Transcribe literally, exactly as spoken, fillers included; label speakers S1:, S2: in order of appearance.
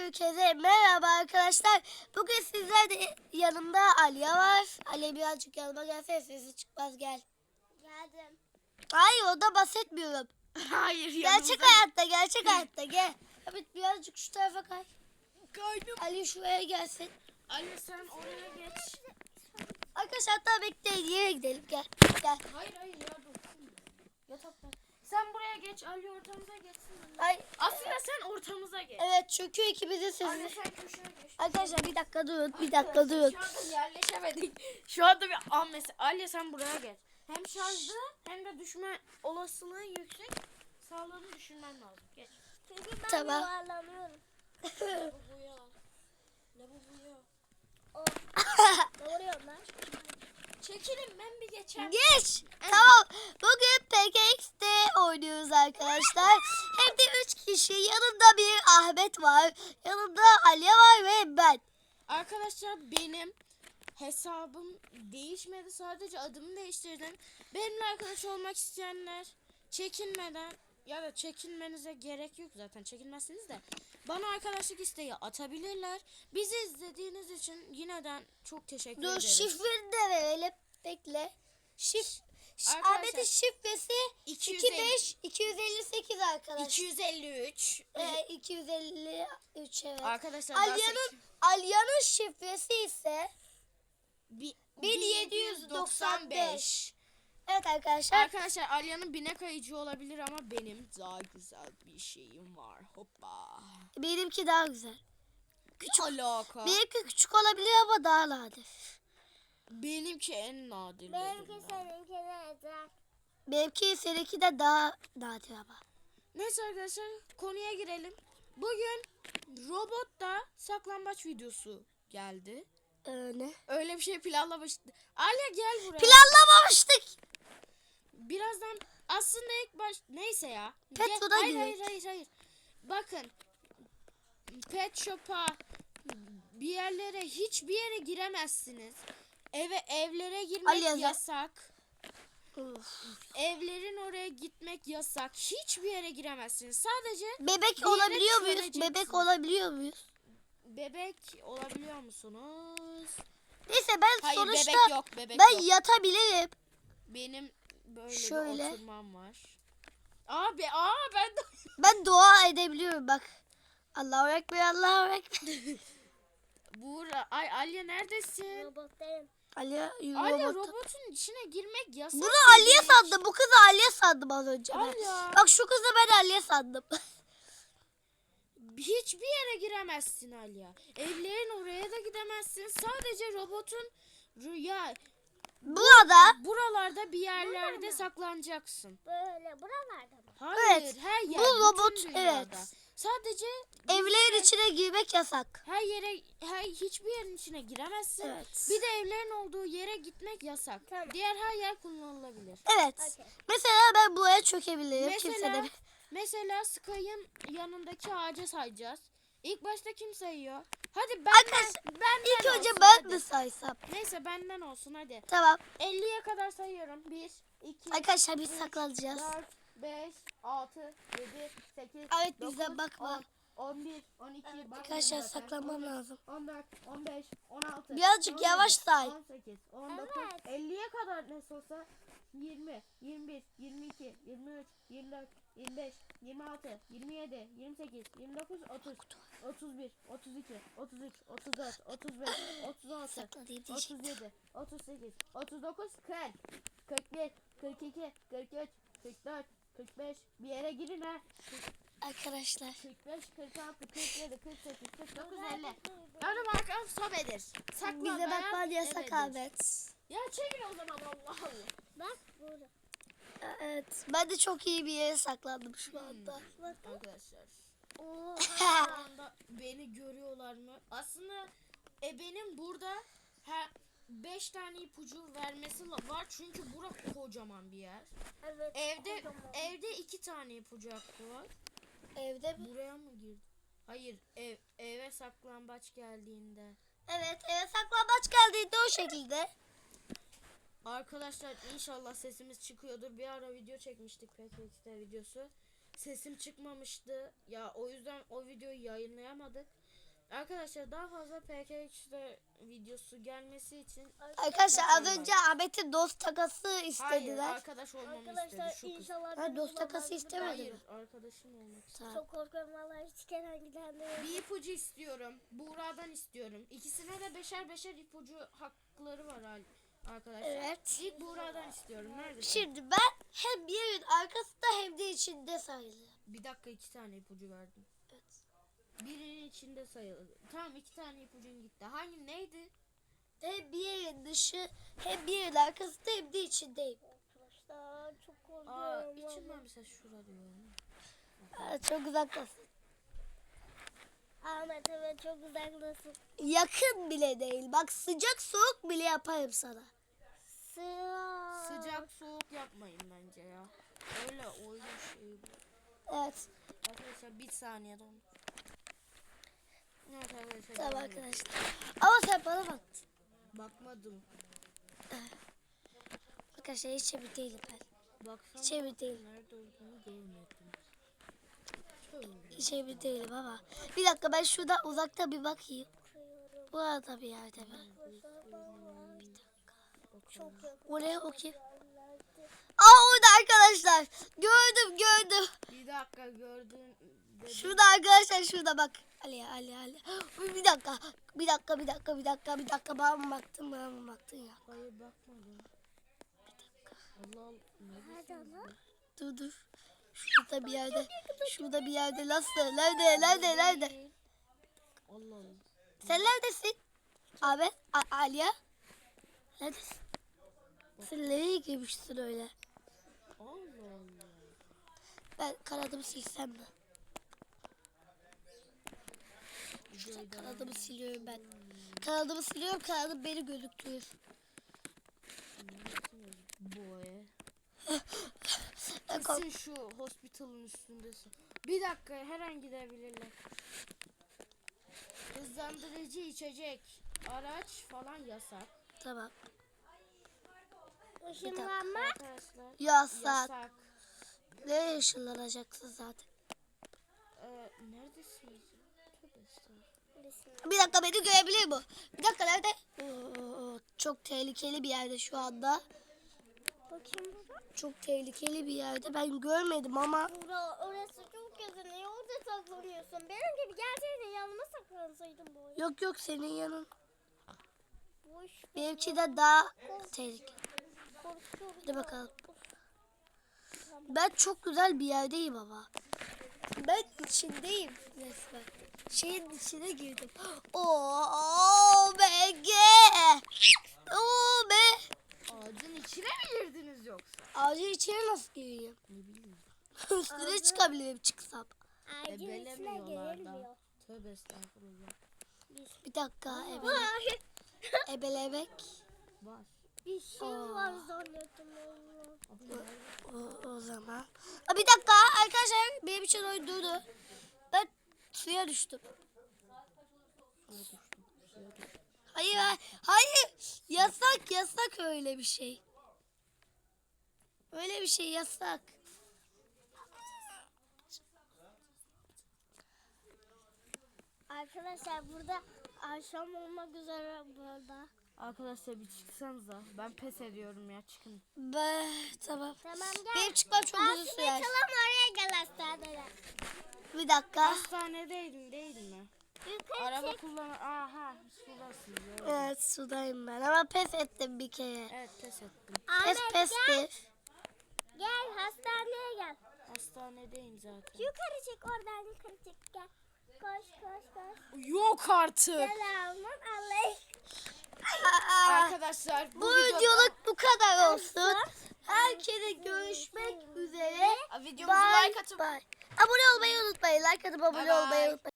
S1: Herkese merhaba arkadaşlar. Bugün sizlerle yanımda Aliye var. Aliye birazcık yanıma gelse sesi çıkmaz, gel.
S2: Geldim.
S1: Hayır, o da bahsetmiyorum.
S3: Hayır
S1: Gerçek hayatta gerçek hayatta gel. Evet, birazcık şu tarafa kay.
S3: Kaydım.
S1: Ali şuraya gelsin.
S3: Ali sen oraya geç.
S1: Arkadaşlar hatta bekleyin, yere gidelim, gel. Gel.
S3: Hayır hayır ya dur. Yatakta. Sen buraya geç, Ali ortamıza geçsin.
S1: Ay,
S3: Aslında sen ortamıza geç.
S1: evet, çünkü ikimizin
S3: Ali
S1: sesi.
S3: sen köşeye geç.
S1: Arkadaşlar bir dakika durun, bir dakika durun.
S3: Şu anda yerleşemedik. Şu anda bir an mesela. Ali sen buraya geç. Hem şarjlı hem de düşme olasılığı yüksek. Sağlığını düşünmen lazım. Geç.
S2: Çünkü ben
S1: Tamam.
S2: yuvarlanıyorum.
S3: Lavaboya. Lavaboya.
S2: O. Doğruyorum lan.
S3: Çekilin ben bir geçeyim.
S1: Geç. Tamam. Bugün P K X'te oynuyoruz arkadaşlar. Hem de üç kişi. Yanımda bir Ahmet var. Yanımda Aliye var ve ben.
S3: Arkadaşlar benim hesabım değişmedi. Sadece adımı değiştirdim. Benimle arkadaş olmak isteyenler çekinmeden ya da çekinmenize gerek yok zaten. Çekinmezsiniz de bana arkadaşlık isteği atabilirler. Bizi izlediğiniz için yineden çok teşekkür
S1: Dur,
S3: ederiz.
S1: şifreni de verelim. Bekle. Şif
S3: Arkadaşlar,
S1: Ahmet'in şifresi
S3: iki yüz
S1: iki
S3: elli
S1: beş iki yüz elli sekiz arkadaşlar.
S3: iki yüz elli üç.
S1: Ee, iki yüz elli üç, evet.
S3: Arkadaşlar daha
S1: Aliye'nin
S3: sek-
S1: Aliye'nin şifresi ise
S3: Bi-
S1: bin yedi yüz doksan beş. Evet arkadaşlar.
S3: Arkadaşlar Alya'nın bine kayıcı olabilir ama benim daha güzel bir şeyim var. Hoppa.
S1: Benimki daha güzel.
S3: Küçük alaka.
S1: Benimki küçük olabilir ama daha nadir.
S3: Benimki en nadir.
S2: Benimki seninkine ezer.
S1: Benimki seninki de daha nadir ama.
S3: Neyse arkadaşlar konuya girelim. Bugün robotta saklambaç videosu geldi.
S1: Ee, ne?
S3: Öyle bir şey planlamıştık. Alya gel buraya.
S1: Planlamamıştık.
S3: Birazdan aslında ilk baş neyse ya.
S1: Pet
S3: Gel-
S1: Shop'a
S3: hayır,
S1: girek.
S3: hayır hayır hayır. Bakın. Pet Shop'a bir yerlere hiçbir yere giremezsiniz. Eve evlere girmek
S1: Alya,
S3: yasak.
S1: Uf.
S3: Evlerin oraya gitmek yasak. Hiçbir yere giremezsiniz. Sadece
S1: Bebek
S3: Bir yere
S1: olabiliyor muyuz?
S3: çömeceksin.
S1: Bebek olabiliyor muyuz?
S3: bebek olabiliyor musunuz?
S1: Neyse, ben
S3: Hayır
S1: sonuçta
S3: bebek yok bebek
S1: ben
S3: yok.
S1: yatabilirim.
S3: Benim böyle
S1: Şöyle.
S3: bir oturmam var. Abi aa ben de
S1: Ben dua edebiliyorum bak. Allahu Ekber, Allahu Ekber.
S3: Buğra ay Alya neredesin?
S2: Robottayım.
S1: Aliye
S3: Alya
S1: robot.
S3: robotun içine girmek yasak.
S1: Bunu Aliye
S3: dedik.
S1: sandım. Bu kızı Aliye sandım az önce ben.
S3: Alya.
S1: Bak, şu kızı ben Aliye sandım.
S3: Hiçbir yere giremezsin Alya. Evlerin oraya da gidemezsin. Sadece robotun rüya
S1: Burada
S3: buralarda bir yerlerde saklanacaksın.
S2: Böyle buralarda mı?
S3: Hayır,
S1: Evet,
S3: her yer.
S1: bu robot,
S3: bütün dünyada.
S1: evet.
S3: Sadece
S1: evlerin içine girmek yasak.
S3: her yere, her hiçbir yerin içine giremezsin.
S1: Evet.
S3: Bir de evlerin olduğu yere gitmek yasak.
S2: Tamam.
S3: Diğer her yer kullanılabilir.
S1: Evet.
S2: Okey.
S1: Mesela ben buraya çökebilirim. Kimse
S3: Mesela,
S1: de...
S3: mesela Sky'ın yanındaki ağaca sayacağız. İlk başta kim sayıyor? Hadi benden,
S1: Arkadaşlar,
S3: benden
S1: İlk önce
S3: olsun,
S1: ben
S3: hadi.
S1: mi saysam?
S3: Neyse benden olsun hadi.
S1: Tamam.
S3: elliye kadar sayıyorum. bir, iki,
S1: Arkadaşlar biz saklanacağız.
S3: dört, beş, altı, yedi, sekiz,
S1: Evet, bize
S3: dokuz,
S1: bakma.
S3: on, on bir, on iki, bakmıyorum
S1: Arkadaşlar
S3: zaten.
S1: saklanmam
S3: on üç,
S1: lazım.
S3: on dört, on beş, on altı.
S1: Birazcık
S3: on yedi,
S1: yavaş say.
S3: on sekiz, on dokuz,
S2: Evet.
S3: elliye kadar ne olsa yirmi, yirmi bir, yirmi iki, yirmi üç, yirmi dört, yirmi beş, yirmi altı, yirmi yedi, yirmi sekiz, yirmi dokuz, otuz, otuz bir, otuz iki, otuz üç, otuz dört, otuz beş, otuz altı,
S1: Saklanayım
S3: otuz
S1: diyecektim.
S3: yedi, otuz sekiz, otuz dokuz, kırk, kırk bir, kırk iki, kırk üç, kırk dört, kırk beş, bir yere girin ha.
S1: Arkadaşlar.
S3: kırk beş, kırk altı, kırk yedi, kırk sekiz, kırk dokuz, elli. Önüm arkam sobedir. Sakla
S1: Bize
S3: dayan,
S1: bakman yasak
S3: ebedir.
S1: Ahmet.
S3: Ya çekil o zaman Allah Allah.
S2: Bak burada.
S1: Evet. Ben de çok iyi bir yere saklandım şu anda.
S3: Arkadaşlar.
S2: Oo.
S3: Şu anda beni görüyorlar mı? Aslında e benim burada ha beş tane ipucu vermesi la- var çünkü burası kocaman bir yer.
S2: Evet.
S3: Evde
S2: kocaman.
S3: evde iki tane ipucu hakkı var.
S1: Evde mi?
S3: Buraya mı girdi? Hayır, ev eve saklambaç geldiğinde.
S1: Evet, eve saklambaç geldiğinde o şekilde.
S3: Arkadaşlar inşallah sesimiz çıkıyordur. Bir ara video çekmiştik P K X'te videosu. Sesim çıkmamıştı. Ya o yüzden o videoyu yayınlayamadık. Arkadaşlar daha fazla P K X'de videosu gelmesi için
S1: Arkadaşlar az önce Ahmet'in dost takası
S3: hayır
S1: istediler.
S3: arkadaş olmamı
S2: Arkadaşlar
S3: istedi şu kız.
S2: inşallah
S1: Ha,
S2: benim
S1: dost
S2: babam
S1: takası
S2: gibi-
S1: istemedi
S3: Hayır
S1: mi?
S3: arkadaşım olmak istiyor.
S1: Tamam.
S2: Çok korkuyorum vallahi hiç Kenan giden de.
S3: Bir ipucu istiyorum. Buğra'dan istiyorum. İkisine de beşer beşer ipucu hakları var hal- arkadaşlar.
S1: Evet.
S3: İlk Buğra'dan istiyorum. Neredesin?
S1: Şimdi ben hem bir yerin arkasında hem de içinde sayılırım.
S3: Bir dakika iki tane ipucu verdim.
S1: Evet.
S3: Birinin içinde sayılır. Tamam iki tane ipucun gitti. Hangi neydi?
S1: Hem bir yerin dışı hem bir yerin arkasında hem de içindeyim.
S2: Arkadaşlar çok
S3: Aa
S2: korkuyorum.
S3: içimden
S2: vallahi.
S3: mesela şura diyorum.
S1: Ha, çok uzaktasın.
S2: Ahmet evet çok uzaktasın.
S1: Yakın bile değil. Bak sıcak soğuk bile yaparım sana.
S2: Sıra.
S3: Sıcak soğuk yapmayın bence ya. Öyle oyun şey bu.
S1: Evet.
S3: Arkadaşlar bir saniye dondur. Evet arkadaşlar.
S1: Tamam
S3: devam edelim.
S1: arkadaşlar. Ama sen bana bak.
S3: Bakmadım.
S1: Arkadaşlar hiç emin değilim ben.
S3: Baksana.
S1: Hiç emin değilim.
S3: Nerede olduğunu görmedim. Tövbe.
S1: Hiç emin değilim ama. Bir dakika ben şurada uzakta bir bakayım.
S2: Bakıyorum.
S1: Bu arada bir yerde mi?
S2: Arkadaşlar vallahi çok yakın.
S1: O ne o kim?
S2: yerlerde.
S1: Aa orada arkadaşlar. Gördüm gördüm.
S3: Bir dakika gördün. dedim.
S1: Şurada arkadaşlar şurada bak. Ali Ali Ali. Bir dakika. Bir dakika bir dakika bir dakika bir dakika. Bana mı baktın bana mı baktın ya?
S3: Hayır bakmadım. Allah Allah.
S2: Nerede lan?
S1: Dur dur. Şurada bir yerde. Şurada bir yerde. Nasıl? Nerede? Nerede? Nerede?
S3: Değil. Allah Allah.
S1: Sen neredesin? Abi, A- Aliye. Neredesin? Sen nereye girmişsin öyle?
S3: Allah Allah.
S1: Ben kanadımı silsem mi?
S3: Videoyu devam
S1: Kanadımı siliyorum ben. Kanadımı siliyorum. Kanadım beni gözüktürür.
S3: Boy.
S1: Ben kork-
S3: Kesin şu hospital'ın üstündesin. Bir dakika her an gidebilirler. Hızlandırıcı içecek, araç falan yasak.
S1: Tamam.
S2: Işınlanma.
S3: Arkadaşlar
S1: Yasak.
S3: yasak.
S1: Nereye ışınlanacaksın zaten?
S3: Ee, neredesiniz? Tövbe estağfurullah.
S1: Bir dakika beni görebilir mi? Bir dakika nerede? Oo, çok tehlikeli bir yerde şu anda.
S2: Bakayım burada.
S1: Çok tehlikeli bir yerde. Ben görmedim ama.
S2: Bura, orası çok güzel. Niye orada saklanıyorsun? Benim gibi gelseydin yanıma saklansaydın bu oyun.
S1: Yok yok senin yanın.
S2: Boş.
S1: Benimki de daha tehlikeli.
S2: Korkuyorum.
S1: Hadi bakalım. Ben çok güzel bir yerdeyim ama. Ben içindeyim resmen. Şeyin içine girdim. Oo be ge. Oo be.
S3: Ağacın içine mi girdiniz yoksa?
S1: Ağacın içine nasıl gireyim?
S3: Ne bileyim.
S1: Üstüne çıkabilirim çıksam.
S2: Ağacın içine
S3: Ebelemiyorlar
S2: girilmiyor.
S3: da. Tövbe estağfurullah.
S1: Bir dakika ebele, ebelemek.
S3: Var.
S2: Bir şey
S1: Aa.
S2: var zannettim Allah.
S3: Abi nerede?
S1: O, o zaman. Aa, bir dakika arkadaşlar benim için oyun durdu. Ben suya düştüm.
S3: Suya düştüm. Suya düştüm.
S1: Hayır hayır, hayır. Yasak yasak öyle bir şey. Öyle bir şey yasak.
S2: Arkadaşlar burada akşam olmak üzere burada.
S3: Arkadaşlar bir çıksanıza. Ben pes ediyorum ya çıkın.
S1: Be, tamam.
S2: Tamam gel.
S1: Benim çıkmam çok uzun
S2: Aslında
S1: sürer.
S2: çalalım oraya gel hastaneye.
S1: Bir dakika.
S3: Hastanedeydin değil mi?
S2: Yukarı
S3: Araba
S2: çek.
S3: kullan. Aha sudasınız. Evet.
S1: Evet sudayım ben ama pes ettim bir kere.
S3: Evet pes ettim.
S1: Pes
S2: Ahmet gel.
S1: pestir.
S2: Gel hastaneye gel.
S3: Hastanedeyim zaten.
S2: Yukarı çek oradan yukarı çek gel. Koş koş koş.
S3: Yok artık.
S2: Selamun aleyküm.
S1: Aa,
S3: Arkadaşlar bu,
S1: bu
S3: videoda
S1: videoluk bu kadar olsun. Herkese görüşmek üzere.
S3: videomuza
S1: Bye
S3: like atıp
S1: bye. Abone olmayı unutmayın. Like atıp abone
S3: Bye bye.
S1: olmayı unutmayın.